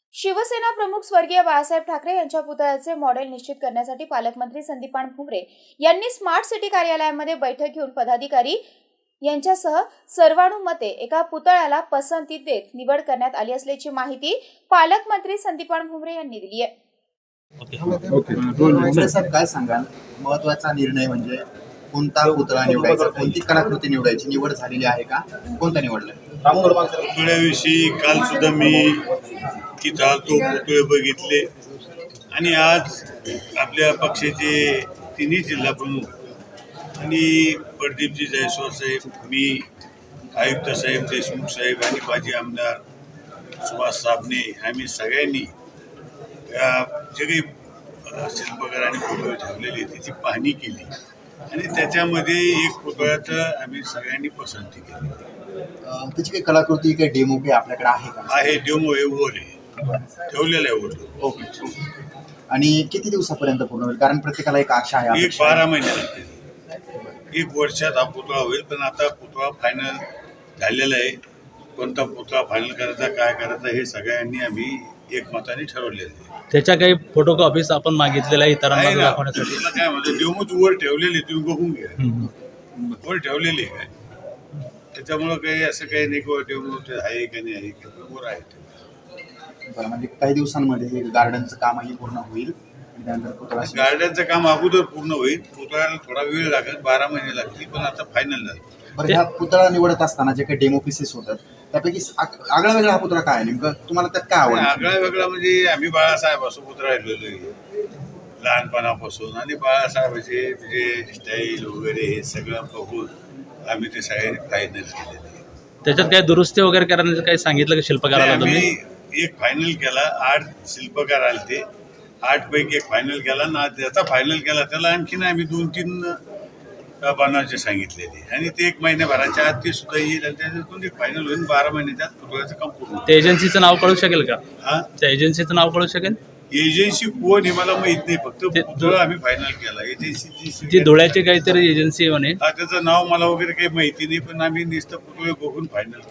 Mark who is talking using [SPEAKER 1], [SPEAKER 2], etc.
[SPEAKER 1] शिवसेना प्रमुख स्वर्गीय बाळासाहेब ठाकरे यांच्या पुतळ्याचे मॉडेल निश्चित करण्यासाठी पालकमंत्री संदीपान भुमरे यांनी स्मार्ट सिटी कार्यालयामध्ये बैठक घेऊन पदाधिकारी यांच्यासह सर्वानुमते एका पुतळ्याला पसंती देत निवड करण्यात आली असल्याची माहिती पालकमंत्री संदीपान भुमरे यांनी दिली आहे.
[SPEAKER 2] साहेब काय सांगाल, महत्वाचा निर्णय म्हणजे कोणता पुतळा निवडायचा, कोणती कलाकृती निवडायची, निवड झालेली आहे का, कोणता निवडलाय?
[SPEAKER 3] पुतळ्याविषयी काल सुद्धा मी तिथं आलतो, पुतळे बघितले आणि आज आपल्या पक्षाचे तिन्ही जिल्हा प्रमुख आणि प्रदीपजी जयस्वाल साहेब, मी, आयुक्त साहेब देशमुख साहेब आणि माजी आमदार सुभाष साबणे आम्ही सगळ्यांनी जे काही शिल्पकार आणि पुतळे ठेवलेले त्याची पाहणी केली आणि त्याच्यामध्ये एक पुतळ्याचं आम्ही सगळ्यांनी पसंती केली.
[SPEAKER 2] त्याची काही कलाकृती, काही डेमो काही आपल्याकडे आहे का?
[SPEAKER 3] आहे, डेमो आहे, वर आहे, ठेवलेलं आहे वर.
[SPEAKER 2] ओके. आणि किती दिवसापर्यंत पूर्ण होईल? कारण प्रत्येकाला एक आशा आहे.
[SPEAKER 3] एक 12 महिने लागतील. 1 वर्षात हा पुतळा होईल. पण आता पुतळा फायनल झालेला आहे. कोणता पुतळा फायनल करायचा, काय करायचा हे सगळ्यांनी आम्ही एकमताने ठरवलेलं आहे.
[SPEAKER 4] त्याच्या काही फोटो कॉपीज आपण मागितलेल्या आहे इतरांना दाखवण्यासाठी.
[SPEAKER 3] तुला काय म्हणतो, डेमोच वर ठेवलेली, तुम्ही बघून घ्या. वर ठेवलेली आहे काय, त्याच्यामुळं काही असं काही नाही की डेमो आहे का नाही आहे का, वर आहे.
[SPEAKER 2] बरं, म्हणजे काही दिवसांमध्ये हे गार्डनचं कामही पूर्ण होईल. त्यानंतर पुतळा
[SPEAKER 3] गार्डनचं काम अगोदर पूर्ण होईल. पुतळ्याला थोडा वेळ लागेल, 12 महिने लागतील, पण आता फायनल झालं.
[SPEAKER 2] बरं, ह्या पुतळा निवडत असताना जे काही डेमो पीसेस होतात त्यापैकी आगळा वेगळा हा पुतळा काय आहे नेमकं, तुम्हाला त्यात काय आवडतं?
[SPEAKER 3] आगळा वेगळा म्हणजे आम्ही बाळासाहेबासोबत राहिलेलो आहे लहानपणापासून आणि बाळासाहेबाचे म्हणजे स्टाईल वगैरे हे सगळं बघून आम्ही ते सगळ्यांनी फायनल केलेलं आहे.
[SPEAKER 4] त्याच्यात काही दुरुस्ती वगैरे करण्याचं काही सांगितलं की शिल्पकाराला तुम्ही?
[SPEAKER 3] आम्ही एक फायनल केला, 8 शिल्पकार आले ते 8 पैकी एक फायनल केला ना, ज्याचा फायनल केला त्याला आणखीन आम्ही 2-3 बनवायचे सांगितलेले आणि ते 1 महिन्याभराच्या आत ते सुद्धा येईल आणि त्याच्यातून एक फायनल होईल. 12 महिन्याच्या आत पुतळ्याचं काम पूर्ण.
[SPEAKER 4] त्या एजन्सीचं नाव कळू शकेल का?
[SPEAKER 3] हा,
[SPEAKER 4] त्या एजन्सीचं नाव कळू शकेल?
[SPEAKER 3] एजन्सी कोण हे मला माहित नाही, फक्त पुतळा आम्ही फायनल केला. एजन्सीची
[SPEAKER 4] ती धुळ्याची काहीतरी एजन्सी आहे म्हणे.
[SPEAKER 3] त्याचं नाव मला वगैरे काही माहिती नाही, पण आम्ही नुसतं पुतळे बघून फायनल